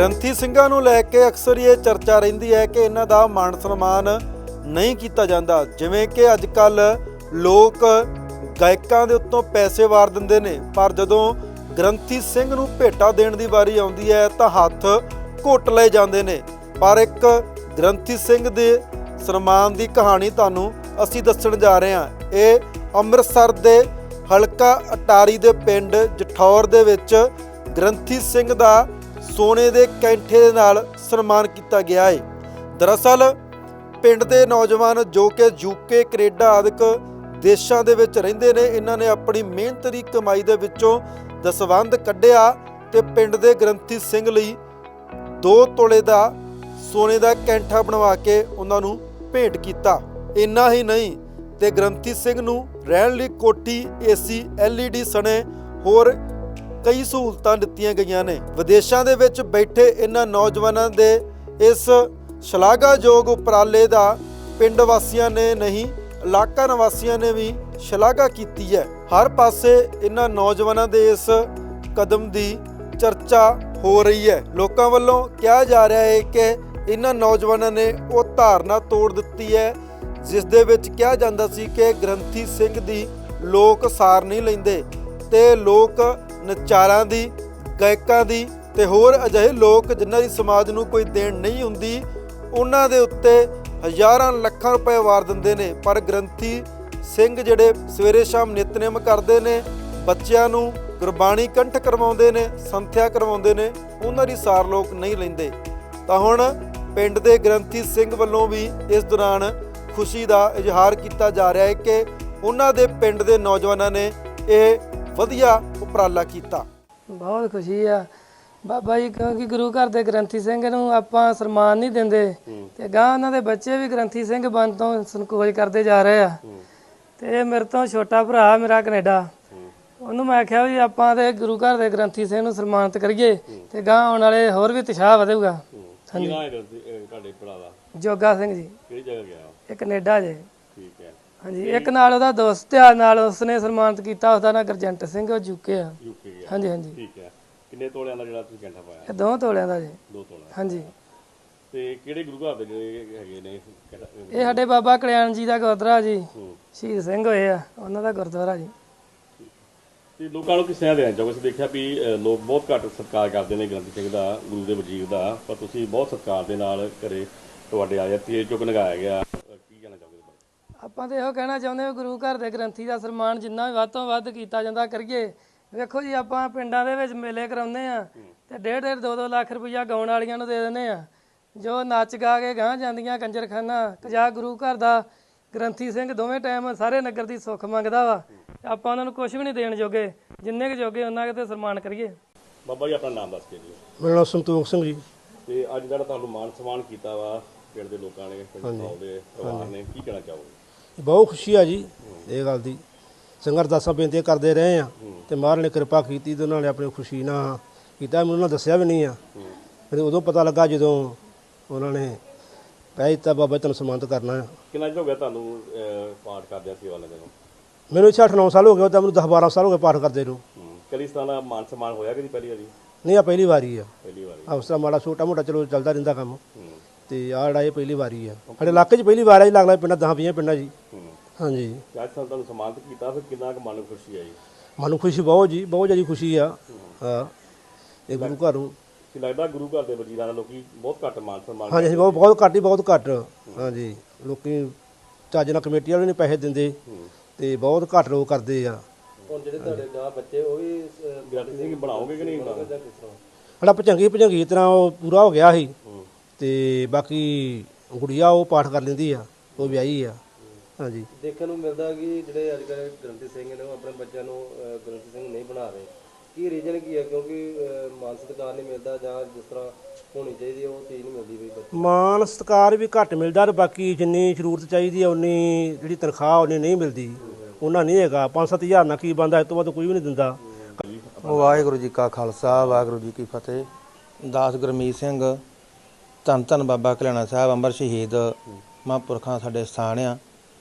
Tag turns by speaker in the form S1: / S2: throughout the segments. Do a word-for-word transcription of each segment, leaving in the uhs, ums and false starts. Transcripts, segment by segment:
S1: ਗ੍ਰੰਥੀ ਸਿੰਘਾਂ ਨੂੰ ਲੈ ਕੇ ਅਕਸਰ ਇਹ ਚਰਚਾ ਰਹਿੰਦੀ ਹੈ ਕਿ ਇਹਨਾਂ ਦਾ ਮਾਣ ਸਨਮਾਨ ਨਹੀਂ ਕੀਤਾ ਜਾਂਦਾ। ਜਿਵੇਂ ਕਿ ਅੱਜ ਕੱਲ੍ਹ ਲੋਕ ਗਾਇਕਾਂ ਦੇ ਉੱਤੋਂ ਪੈਸੇ ਵਾਰ ਦਿੰਦੇ ਨੇ, ਪਰ ਜਦੋਂ ਗ੍ਰੰਥੀ ਸਿੰਘ ਨੂੰ ਭੇਟਾ ਦੇਣ ਦੀ ਵਾਰੀ ਆਉਂਦੀ ਹੈ ਤਾਂ ਹੱਥ ਘੁੱਟ ਲਏ ਜਾਂਦੇ ਨੇ। ਪਰ ਇੱਕ ਗ੍ਰੰਥੀ ਸਿੰਘ ਦੇ ਸਨਮਾਨ ਦੀ ਕਹਾਣੀ ਤੁਹਾਨੂੰ ਅਸੀਂ ਦੱਸਣ ਜਾ ਰਹੇ ਹਾਂ। ਇਹ ਅੰਮ੍ਰਿਤਸਰ ਦੇ ਹਲਕਾ ਅਟਾਰੀ ਦੇ ਪਿੰਡ ਜਠੌਰ ਦੇ ਵਿੱਚ ਗ੍ਰੰਥੀ ਸਿੰਘ ਦਾ ਸੋਨੇ ਦੇ ਕੈਂਠੇ ਦੇ ਨਾਲ ਸਨਮਾਨ ਕੀਤਾ ਗਿਆ ਹੈ। ਦਰਅਸਲ ਪਿੰਡ ਦੇ ਨੌਜਵਾਨ ਜੋ ਕਿ ਯੂਕੇ ਕੈਨੇਡਾ ਆਦਿਕ ਦੇਸ਼ਾਂ ਦੇ ਵਿੱਚ ਰਹਿੰਦੇ ਨੇ, ਇਹਨਾਂ ਨੇ ਆਪਣੀ ਮਿਹਨਤ ਦੀ ਕਮਾਈ ਦੇ ਵਿੱਚੋਂ ਦਸਵੰਧ ਕੱਢਿਆ ਤੇ ਪਿੰਡ ਦੇ ਗ੍ਰੰਥੀ ਸਿੰਘ ਲਈ ਦੋ ਤੋਲੇ ਦਾ ਸੋਨੇ ਦਾ ਕੈਂਠਾ ਬਣਵਾ ਕੇ ਉਹਨਾਂ ਨੂੰ ਭੇਂਟ ਕੀਤਾ। ਇੰਨਾ ਹੀ ਨਹੀਂ ਤੇ ਗ੍ਰੰਥੀ ਸਿੰਘ ਨੂੰ ਰਹਿਣ ਲਈ ਕੋਠੀ, ਏਸੀ, ਐਲ ਈ ਡੀ ਸਣੇ ਹੋਰ ਕਈ ਸਹੂਲਤਾਂ ਦਿੱਤੀਆਂ ਗਈਆਂ ਨੇ। ਵਿਦੇਸ਼ਾਂ ਦੇ ਵਿੱਚ ਬੈਠੇ ਇਹਨਾਂ ਨੌਜਵਾਨਾਂ ਦੇ ਇਸ ਸ਼ਲਾਘਾਯੋਗ ਉਪਰਾਲੇ ਦਾ ਪਿੰਡ ਵਾਸੀਆਂ ਨੇ ਨਹੀਂ, ਇਲਾਕਾ ਨਿਵਾਸੀਆਂ ਨੇ ਵੀ ਸ਼ਲਾਘਾ ਕੀਤੀ ਹੈ। ਹਰ ਪਾਸੇ ਇਹਨਾਂ ਨੌਜਵਾਨਾਂ ਦੇ ਇਸ ਕਦਮ ਦੀ ਚਰਚਾ ਹੋ ਰਹੀ ਹੈ। ਲੋਕਾਂ ਵੱਲੋਂ ਕਿਹਾ ਜਾ ਰਿਹਾ ਹੈ ਕਿ ਇਹਨਾਂ ਨੌਜਵਾਨਾਂ ਨੇ ਉਹ ਧਾਰਨਾ ਤੋੜ ਦਿੱਤੀ ਹੈ ਜਿਸ ਦੇ ਵਿੱਚ ਕਿਹਾ ਜਾਂਦਾ ਸੀ ਕਿ ਗ੍ਰੰਥੀ ਸਿੰਘ ਦੀ ਲੋਕ ਸਾਰ ਨਹੀਂ ਲੈਂਦੇ ਤੇ ਲੋਕ ਨਚਾਰਾਂ ਦੀ, ਗਾਇਕਾਂ ਦੀ ਤੇ ਹੋਰ ਅਜਿਹੇ ਲੋਕ ਜਿਨ੍ਹਾਂ ਦੀ ਸਮਾਜ ਨੂੰ ਕੋਈ ਦੇਣ ਨਹੀਂ ਹੁੰਦੀ, ਉਹਨਾਂ ਦੇ ਉੱਤੇ ਹਜ਼ਾਰਾਂ ਲੱਖਾਂ ਰੁਪਏ ਵਾਰ ਦਿੰਦੇ ਨੇ। ਪਰ ਗ੍ਰੰਥੀ ਸਿੰਘ ਜਿਹੜੇ ਸਵੇਰੇ ਸ਼ਾਮ ਨਿਤਨੇਮ ਕਰਦੇ ਨੇ, ਬੱਚਿਆਂ ਨੂੰ ਗੁਰਬਾਣੀ ਕੰਠ ਕਰਵਾਉਂਦੇ ਨੇ, ਸੰਥਿਆ ਕਰਵਾਉਂਦੇ ਨੇ, ਉਹਨਾਂ ਦੀ ਸਾਰ ਲੋਕ ਨਹੀਂ ਲੈਂਦੇ। ਤਾਂ ਹੁਣ ਪਿੰਡ ਦੇ ਗ੍ਰੰਥੀ ਸਿੰਘ ਵੱਲੋਂ ਵੀ ਇਸ ਦੌਰਾਨ ਖੁਸ਼ੀ ਦਾ ਇਜ਼ਹਾਰ ਕੀਤਾ ਜਾ ਰਿਹਾ ਹੈ ਕਿ ਉਹਨਾਂ ਦੇ ਪਿੰਡ ਦੇ ਨੌਜਵਾਨਾਂ ਨੇ ਇਹ ਵਧੀਆ ਉਪਰਾਲਾ ਕੀਤਾ।
S2: ਬਹੁਤ ਖੁਸ਼ੀ ਆ ਬਾਬਾ ਜੀ, ਕਿਉਂਕਿ ਗੁਰੂ ਘਰ ਦੇ ਗ੍ਰੰਥੀ ਸਿੰਘ ਨੂੰ ਆਪਾਂ ਸਨਮਾਨ ਨਹੀਂ ਦਿੰਦੇ ਤੇ ਗਾਂ ਉਹਨਾਂ ਦੇ ਬੱਚੇ ਵੀ ਗ੍ਰੰਥੀ ਸਿੰਘ ਬਣ ਤੋਂ ਸੰਕੋਚ ਕਰਦੇ ਜਾ ਰਹੇ ਆ। ਤੇ ਮੇਰੇ ਤੋਂ ਛੋਟਾ ਭਰਾ ਮੇਰਾ ਕੈਨੇਡਾ, ਉਹਨੂੰ ਮੈਂ ਆਖਿਆ ਵੀ ਆਪਾਂ ਤੇ ਗੁਰੂ ਘਰ ਦੇ ਗ੍ਰੰਥੀ ਸਿੰਘ ਨੂੰ ਸਨਮਾਨਿਤ ਕਰੀਏ ਤੇ ਗਾਂ ਆਉਣ ਵਾਲੇ ਹੋਰ ਵੀ ਉਤਸ਼ਾਹ ਵਧੇਗਾ।
S3: ਕੀ ਨਾਮ ਹੈ ਤੁਹਾਡੇ ਭਰਾ ਦਾ?
S2: ਜੋਗਾ ਸਿੰਘ ਜੀ।
S3: ਕਿਹੜੀ ਜਗ੍ਹਾ ਗਿਆ?
S2: ਇਹ ਕੈਨੇਡਾ ਜੇ।
S3: ਠੀਕ ਹੈ।
S2: ਹਾਂਜੀ, ਇੱਕ ਨਾਲ ਉਹਦਾ ਦੋਸਤ ਆ, ਨਾਲ ਉਸਨੇ ਸਨਮਾਨਿਤ ਕੀਤਾ, ਉਹਦਾ ਨਾਂ ਗੁਰਜੰਟ ਸਿੰਘ, ਉਹ ਯੂਕੇ ਆ।
S3: ਯੂਕੇ ਗਿਆ।
S2: ਹਾਂਜੀ ਹਾਂਜੀ।
S3: ਠੀਕ ਹੈ। ਕਿੰਨੇ ਤੋਲਿਆਂ ਦਾ ਜਿਹੜਾ ਤੁਸੀਂ ਕੈਂਠਾ ਪਾਇਆ?
S2: ਇਹ ਦੋ ਤੋਲਿਆਂ ਦਾ ਜੀ।
S3: ਦੋ ਤੋਲਿਆਂ।
S2: ਹਾਂਜੀ।
S3: ਤੇ ਕਿਹੜੇ ਗੁਰੂ ਘਰ ਦੇ ਜਿਹੜੇ ਹੈਗੇ ਨੇ?
S2: ਇਹ ਸਾਡੇ ਬਾਬਾ ਕਲਿਆਣ ਜੀ ਦਾ ਗੁਰਦੁਆਰਾ ਜੀ, ਸ਼ਹੀਦ ਸਿੰਘ ਹੋਏ ਆ, ਉਹਨਾਂ ਦਾ ਗੁਰਦੁਆਰਾ ਜੀ।
S3: ਤੇ ਲੋਕਾਂ ਨੂੰ ਕਿਸ ਤਰ੍ਹਾਂ ਦੇਣਾ ਚਾਹੋਗੇ? ਅਸੀਂ ਦੇਖਿਆ ਵੀ ਲੋਕ ਬਹੁਤ ਘੱਟ ਸਤਿਕਾਰ ਕਰਦੇ ਨੇ ਗ੍ਰੰਥੀ ਸਿੰਘ ਦਾ, ਗੁਰੂ ਦੇ ਵਜੀਰ ਦਾ, ਪਰ ਤੁਸੀਂ ਬਹੁਤ ਸਤਿਕਾਰ ਦੇ ਨਾਲ ਘਰੇ ਤੁਹਾਡੇ ਆਇਆ ਤੇ ਚੁੱਕ ਲਗਾਇਆ ਗਿਆ। ਕੀ ਕਹਿਣਾ ਚਾਹੋਗੇ?
S2: ਆਪਾਂ ਤਾਂ ਇਹੋ ਕਹਿਣਾ ਚਾਹੁੰਦੇ ਹਾਂ ਗੁਰੂ ਘਰ ਦੇ ਗ੍ਰੰਥੀ ਦਾ ਸਨਮਾਨ ਜਿੰਨਾ ਵੀ ਵੱਧ ਤੋਂ ਵੱਧ ਕੀਤਾ ਜਾਂਦਾ ਕਰੀਏ। ਵੇਖੋ ਜੀ, ਆਪਾਂ ਪਿੰਡਾਂ ਦੇ ਵਿੱਚ ਮੇਲੇ ਕਰਾਉਂਦੇ ਆ ਤੇ ਡੇਢ ਡੇਢ ਦੋ ਦੋ ਲੱਖ ਰੁਪਈਆ ਗਾਉਣ ਵਾਲੀਆਂ ਨੂੰ ਦੇ ਦਿੰਦੇ ਆ, ਜੋ ਨੱਚ ਗਾ ਕੇ ਗਾਂਹ ਜਾਂਦੀਆਂ ਕੰਜਰਖਾਨਾ। ਜਾਂ ਗੁਰੂ ਘਰ ਦਾ ਗ੍ਰੰਥੀ ਸਿੰਘ ਦੋਵੇਂ ਟਾਈਮ ਸਾਰੇ ਨਗਰ ਦੀ ਸੁੱਖ ਮੰਗਦਾ ਵਾ, ਆਪਾਂ ਉਹਨਾਂ ਨੂੰ ਕੁਝ ਵੀ ਨਹੀਂ ਦੇਣ ਜੋਗੇ, ਜਿੰਨੇ ਕੁ ਜੋਗੇ ਉਹਨਾਂ ਕਿਤੇ ਸਨਮਾਨ ਕਰੀਏ।
S3: ਬਾਬਾ ਜੀ ਆਪਣਾ ਨਾਮ ਦੱਸ ਕੇ ਜੀ।
S4: ਮੇਰਾ ਨਾਮ ਸੰਤੋਖ ਸਿੰਘ ਜੀ।
S3: ਤੇ ਅੱਜ ਜਿਹੜਾ ਤੁਹਾਨੂੰ ਮਾਣ ਸਨਮਾਨ ਕੀਤਾ ਵਾ ਪਿੰਡ ਦੇ ਲੋਕਾਂ ਨੇ, ਪਿੰਡ ਦੇ ਪਰਿਵਾਰ ਨੇ, ਕੀ ਕਹਿਣਾ ਚਾਹੋਗੇ?
S4: ਬਹੁਤ ਖੁਸ਼ੀ ਆ ਜੀ ਇਹ ਗੱਲ ਦੀ। ਸੰਗਤ ਅਰਦਾਸਾਂ ਬੇਨਤੀਆਂ ਕਰਦੇ ਰਹੇ ਆ ਤੇ ਮਹਾਰਾਜ ਨੇ ਕਿਰਪਾ ਕੀਤੀ ਤੇ ਉਹਨਾਂ ਨੇ ਆਪਣੀ ਖੁਸ਼ੀ ਨਾਲ ਕੀਤਾ। ਮੈਨੂੰ ਉਹਨਾਂ ਦੱਸਿਆ ਵੀ ਨਹੀਂ ਆ, ਮੈਨੂੰ ਉਦੋਂ ਪਤਾ ਲੱਗਾ ਜਦੋਂ ਉਹਨਾਂ ਨੇ ਕਹਿ ਦਿੱਤਾ ਬਾਬਾ ਤੈਨੂੰ ਸਨਮਾਨਿਤ ਕਰਨਾ ਆ।
S3: ਕਿੰਨਾ ਚਿਰ ਹੋ ਗਿਆ ਤੁਹਾਨੂੰ ਪਾਠ ਕਰਦਿਆਂ ਸੇਵਾ ਲੈਂਦੇ ਨੂੰ?
S4: ਮੈਨੂੰ ਇੱਥੇ ਅੱਠ ਨੌ ਸਾਲ ਹੋ ਗਏ, ਤਾਂ ਮੈਨੂੰ ਦਸ ਬਾਰਾਂ ਸਾਲ ਹੋ ਗਏ ਪਾਠ ਕਰਦੇ ਨੂੰ।
S3: ਕਦੀ ਇਸ ਤਰ੍ਹਾਂ ਦਾ ਮਾਨ ਸਨਮਾਨ ਹੋਇਆ ਕਿ ਪਹਿਲੀ ਵਾਰੀ?
S4: ਨਹੀਂ, ਆ ਪਹਿਲੀ ਵਾਰੀ ਆ।
S3: ਪਹਿਲੀ ਵਾਰੀ।
S4: ਆ ਉਸ ਤਰ੍ਹਾਂ ਮਾੜਾ ਛੋਟਾ ਮੋਟਾ ਚਲੋ ਚੱਲਦਾ ਰਹਿੰਦਾ ਕੰਮ, ਤੇ ਆਹ ਜਿਹੜਾ ਇਹ ਪਹਿਲੀ ਵਾਰੀ ਆ ਸਾਡੇ ਇਲਾਕੇ 'ਚ ਪਹਿਲੀ ਵਾਰ ਆ ਜੀ। ਲੱਗਦਾ ਪਿੰਡਾਂ ਦਸਾਂ ਵੀਹਾਂ ਪਿੰਡਾਂ ਜੀ। ਹਾਂਜੀ।
S3: ਅੱਜ ਤੁਹਾਨੂੰ ਸਨਮਾਨਿਤ ਕੀਤਾ, ਫਿਰ ਕਿੰਨਾ ਕੁ ਮਨ ਨੂੰ ਖੁਸ਼ੀ ਆਈ?
S4: ਮਨ ਨੂੰ ਖੁਸ਼ੀ ਬਹੁਤ ਜੀ, ਬਹੁਤ ਜ਼ਿਆਦਾ ਖੁਸ਼ੀ ਆ। ਹਾਂ, ਇਹ ਗੁਰੂ ਘਰ ਨੂੰ
S3: ਲੱਗਦਾ ਗੁਰੂ ਘਰ ਦੇ ਵਜ਼ੀਰਾਂ ਨਾਲ ਲੋਕੀ ਬਹੁਤ ਘੱਟ ਮਾਨ ਸਨਮਾਨ।
S4: ਹਾਂਜੀ ਹਾਂਜੀ, ਬਹੁਤ ਬਹੁਤ ਘੱਟ ਹੀ ਬਹੁਤ ਘੱਟ। ਹਾਂਜੀ, ਲੋਕੀ ਚੱਜ ਨਾਲ ਕਮੇਟੀ ਵਾਲੇ ਨਹੀਂ ਪੈਸੇ ਦਿੰਦੇ ਤੇ ਬਹੁਤ ਘੱਟ ਲੋਕ ਕਰਦੇ ਆ।
S3: ਹੁਣ ਜਿਹੜੇ ਤੁਹਾਡੇ ਗਾਂ ਬੱਚੇ ਉਹ ਵੀ ਗ੍ਰੰਥੀ ਸਿੰਘ ਬਣਾਓਗੇ ਕਿ ਨਹੀਂ?
S4: ਸਾਡਾ ਭਜੰਗੀ ਭਜੰਗੀ ਤਰ੍ਹਾਂ ਉਹ ਪੂਰਾ ਹੋ ਗਿਆ ਸੀ ਤੇ ਬਾਕੀ ਗੁੜੀਆ ਉਹ ਪਾਠ ਕਰ ਲੈਂਦੀ ਆ, ਉਹ ਵਿਆਹੀ ਆ। ਹਾਂਜੀ।
S5: ਦੇਖਣ ਨੂੰ ਮਿਲਦਾ ਕਿ ਜਿਹੜੇ ਅੱਜ ਕੱਲ੍ਹ ਗ੍ਰੰਥੀ ਸਿੰਘ ਨੇ ਉਹ ਆਪਣੇ ਬੱਚਿਆਂ ਨੂੰ ਗ੍ਰੰਥੀ ਸਿੰਘ ਨਹੀਂ ਬਣਾ ਰਹੇ, ਕੀ ਰੀਜ਼ਨ ਕੀ ਹੈ? ਕਿਉਂਕਿ ਮਾਨ ਸਤਿਕਾਰ ਨਹੀਂ ਮਿਲਦਾ ਜਾਂ ਜਿਸ ਤਰ੍ਹਾਂ ਹੋਣੀ ਚਾਹੀਦੀ ਉਹ ਚੀਜ਼ ਨਹੀਂ ਮਿਲਦੀ ਬਈ?
S4: ਮਾਨ ਸਤਿਕਾਰ ਵੀ ਘੱਟ ਮਿਲਦਾ ਤੇ ਬਾਕੀ ਜਿੰਨੀ ਜ਼ਰੂਰਤ ਚਾਹੀਦੀ ਆ ਉਨੀ ਜਿਹੜੀ ਤਨਖਾਹ ਉਨੀ ਨਹੀਂ ਮਿਲਦੀ, ਉਹਨਾਂ ਨਹੀਂ ਹੈਗਾ। ਪੰਜ ਸੱਤ ਹਜ਼ਾਰ ਨਾਲ ਕੀ ਬੰਦਾ, ਇਸ ਤੋਂ ਵੱਧ ਕੋਈ ਵੀ ਨਹੀਂ ਦਿੰਦਾ।
S5: ਵਾਹਿਗੁਰੂ ਜੀ ਕਾ ਖਾਲਸਾ, ਵਾਹਿਗੁਰੂ ਜੀ ਕੀ ਫਤਿਹ। ਦਾਸ ਗੁਰਮੀਤ ਸਿੰਘ, ਧੰਨ ਧੰਨ ਬਾਬਾ ਕਲਿਆਣਾ ਸਾਹਿਬ ਅੰਮ੍ਰਿਤ ਸ਼ਹੀਦ ਮਹਾਂਪੁਰਖਾਂ ਸਾਡੇ ਸਥਾਨ ਆ।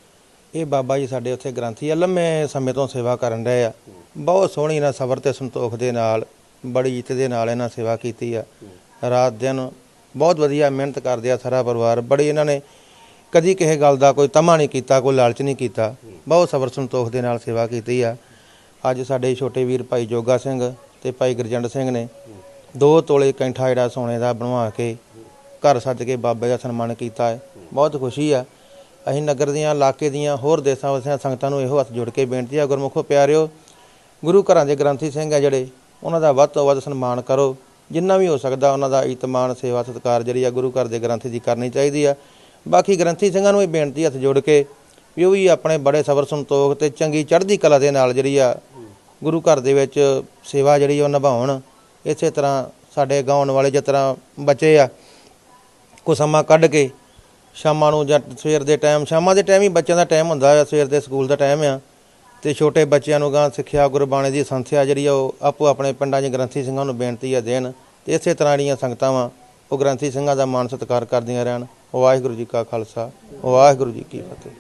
S5: ਇਹ ਬਾਬਾ ਜੀ ਸਾਡੇ ਉੱਥੇ ਗ੍ਰੰਥੀ ਆ, ਲੰਮੇ ਸਮੇਂ ਤੋਂ ਸੇਵਾ ਕਰਨ ਰਹੇ ਆ। ਬਹੁਤ ਸੋਹਣੀ ਇਹਨਾਂ ਸਬਰ ਤੇ ਸੰਤੋਖ ਦੇ ਨਾਲ, ਬੜੀ ਇੱਜ਼ਤ ਦੇ ਨਾਲ ਇਹਨਾਂ ਸੇਵਾ ਕੀਤੀ ਆ। ਰਾਤ ਦਿਨ ਬਹੁਤ ਵਧੀਆ ਮਿਹਨਤ ਕਰਦੇ ਆ ਸਾਰਾ ਪਰਿਵਾਰ। ਬੜੀ ਇਹਨਾਂ ਨੇ ਕਦੀ ਕਿਸੇ ਗੱਲ ਦਾ ਕੋਈ ਤਮਾ ਨਹੀਂ ਕੀਤਾ, ਕੋਈ ਲਾਲਚ ਨਹੀਂ ਕੀਤਾ, ਬਹੁਤ ਸਬਰ ਸੰਤੋਖ ਦੇ ਨਾਲ ਸੇਵਾ ਕੀਤੀ ਆ। ਅੱਜ ਸਾਡੇ ਛੋਟੇ ਵੀਰ ਭਾਈ ਜੋਗਾ ਸਿੰਘ ਤੇ ਭਾਈ ਗੁਰਜੰਟ ਸਿੰਘ ਨੇ ਦੋ ਤੋਲੇ ਕੈਂਠਾ ਜਿਹੜਾ ਸੋਨੇ ਦਾ ਬਣਵਾ ਕੇ ਘਰ ਸੱਜ ਕੇ ਬਾਬੇ ਦਾ ਸਨਮਾਨ ਕੀਤਾ ਹੈ। ਬਹੁਤ ਖੁਸ਼ੀ ਆ। ਅਸੀਂ ਨਗਰ ਦੀਆਂ, ਇਲਾਕੇ ਦੀਆਂ, ਹੋਰ ਦੇਸਾਂ ਵਸਿਆਂ ਸੰਗਤਾਂ ਨੂੰ ਇਹੋ ਹੱਥ ਜੋੜ ਕੇ ਬੇਨਤੀ ਆ, ਗੁਰਮੁਖੋ ਪਿਆਰਿਓ, ਗੁਰੂ ਘਰਾਂ ਦੇ ਗ੍ਰੰਥੀ ਸਿੰਘ ਆ ਜਿਹੜੇ, ਉਹਨਾਂ ਦਾ ਵੱਧ ਤੋਂ ਵੱਧ ਸਨਮਾਨ ਕਰੋ। ਜਿੰਨਾ ਵੀ ਹੋ ਸਕਦਾ ਉਹਨਾਂ ਦਾ ਇਤਮਾਨ, ਸੇਵਾ, ਸਤਿਕਾਰ ਜਿਹੜੀ ਆ ਗੁਰੂ ਘਰ ਦੇ ਗ੍ਰੰਥੀ ਦੀ ਕਰਨੀ ਚਾਹੀਦੀ ਆ। ਬਾਕੀ ਗ੍ਰੰਥੀ ਸਿੰਘਾਂ ਨੂੰ ਇਹ ਬੇਨਤੀ ਹੱਥ ਜੋੜ ਕੇ ਵੀ ਉਹ ਵੀ ਆਪਣੇ ਬੜੇ ਸਬਰ ਸੰਤੋਖ ਤੇ ਚੰਗੀ ਚੜ੍ਹਦੀ ਕਲਾ ਦੇ ਨਾਲ ਜਿਹੜੀ ਆ ਗੁਰੂ ਘਰ ਦੇ ਵਿੱਚ ਸੇਵਾ ਜਿਹੜੀ ਉਹ ਨਿਭਾਉਣ। ਇਸੇ ਤਰ੍ਹਾਂ ਸਾਡੇ ਗਾਉਣ ਵਾਲੇ ਜਿਸ ਤਰ੍ਹਾਂ ਬੱਚੇ ਆ, ਕੋ ਸਮਾਂ ਕੱਢ ਕੇ ਸ਼ਾਮਾਂ ਨੂੰ ਜਾਂ ਸਵੇਰ ਦੇ ਟਾਈਮ, ਸ਼ਾਮਾਂ ਦੇ ਟਾਈਮ ਹੀ ਬੱਚਿਆਂ ਦਾ ਟਾਈਮ ਹੁੰਦਾ ਆ, ਸਵੇਰ ਦੇ ਸਕੂਲ ਦਾ ਟਾਈਮ ਆ, ਤੇ ਛੋਟੇ ਬੱਚਿਆਂ ਨੂੰ ਗਾਂ ਸਿੱਖਿਆ ਗੁਰਬਾਣੀ ਦੀ ਸੰਥਿਆ ਜਿਹੜੀ ਆ ਉਹ ਆਪੋ ਆਪਣੇ ਪਿੰਡਾਂ 'ਚ ਗ੍ਰੰਥੀ ਸਿੰਘਾਂ ਨੂੰ ਬੇਨਤੀ ਆ ਦੇਣ। ਤੇ ਇਸੇ ਤਰ੍ਹਾਂ ਜਿਹੜੀਆਂ ਸੰਗਤਾਂ ਵਾ ਉਹ ਗ੍ਰੰਥੀ ਸਿੰਘਾਂ ਦਾ ਮਾਣ ਸਤਿਕਾਰ ਕਰਦੀਆਂ ਰਹਿਣ। ਵਾਹਿਗੁਰੂ ਜੀ ਕਾ ਖਾਲਸਾ, ਵਾਹਿਗੁਰੂ ਜੀ ਕੀ ਫਤਿਹ।